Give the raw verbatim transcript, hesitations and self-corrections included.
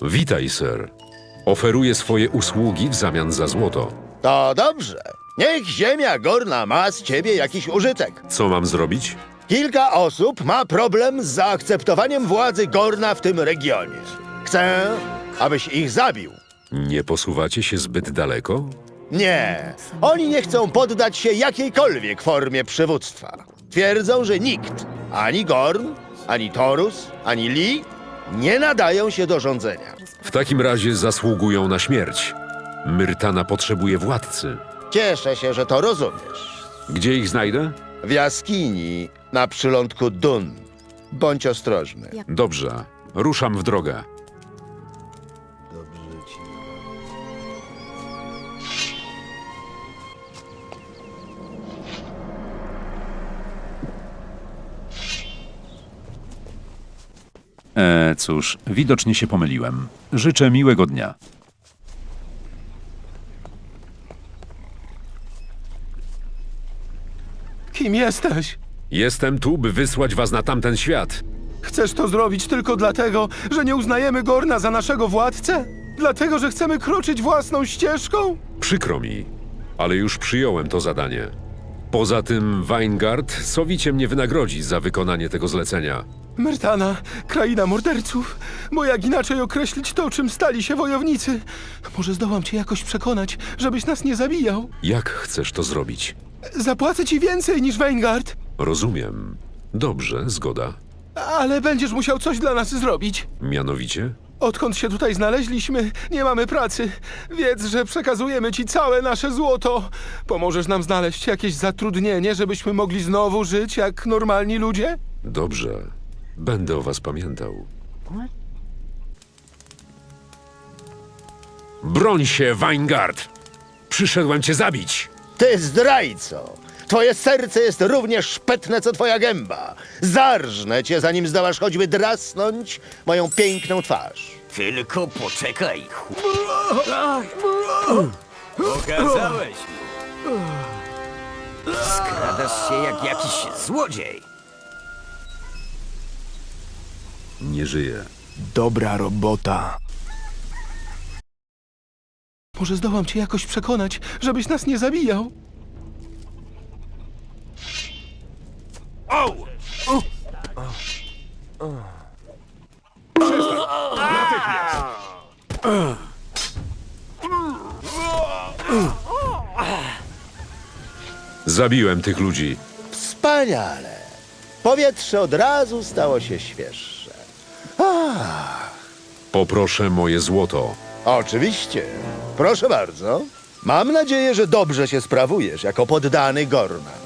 Witaj, sir. Oferuję swoje usługi w zamian za złoto. To dobrze. Niech ziemia gorna ma z ciebie jakiś użytek. Co mam zrobić? Kilka osób ma problem z zaakceptowaniem władzy Gorna w tym regionie. Chcę, abyś ich zabił. Nie posuwacie się zbyt daleko? Nie, oni nie chcą poddać się jakiejkolwiek formie przywództwa. Twierdzą, że nikt, ani Gorn, ani Torus, ani Lee, nie nadają się do rządzenia. W takim razie zasługują na śmierć. Myrtana potrzebuje władcy. Cieszę się, że to rozumiesz. Gdzie ich znajdę? W jaskini na przylądku Dun. Bądź ostrożny. Dobrze, ruszam w drogę. Dobrze ci. E, cóż, widocznie się pomyliłem. Życzę miłego dnia. Kim jesteś? Jestem tu, by wysłać was na tamten świat. Chcesz to zrobić tylko dlatego, że nie uznajemy Gorna za naszego władcę? Dlatego, że chcemy kroczyć własną ścieżką? Przykro mi, ale już przyjąłem to zadanie. Poza tym Weingard sowicie mnie wynagrodzi za wykonanie tego zlecenia. Myrtana, kraina morderców. Bo jak inaczej określić to, czym stali się wojownicy? Może zdołam cię jakoś przekonać, żebyś nas nie zabijał? Jak chcesz to zrobić? Zapłacę ci więcej niż Weingard, Rozumiem. Dobrze, zgoda. ale będziesz musiał coś dla nas zrobić. Mianowicie? Odkąd się tutaj znaleźliśmy, nie mamy pracy. Wiedz, że przekazujemy ci całe nasze złoto. Pomożesz nam znaleźć jakieś zatrudnienie, żebyśmy mogli znowu żyć jak normalni ludzie? Dobrze. Będę o was pamiętał. Broń się, Weingard! Przyszedłem cię zabić! Ty zdrajco! Twoje serce jest równie szpetne, co twoja gęba. Zarżnę cię, zanim zdołasz choćby drasnąć moją piękną twarz. Tylko poczekaj, chłop. Pokazałeś mi. Skradasz się jak jakiś złodziej. Nie żyję. Dobra robota. Może zdołam cię jakoś przekonać, żebyś nas nie zabijał? Zabiłem tych ludzi. Wspaniale. Powietrze od razu stało się świeższe. Poproszę moje złoto. Oczywiście. Proszę bardzo. Mam nadzieję, że dobrze się sprawujesz jako poddany Gorna.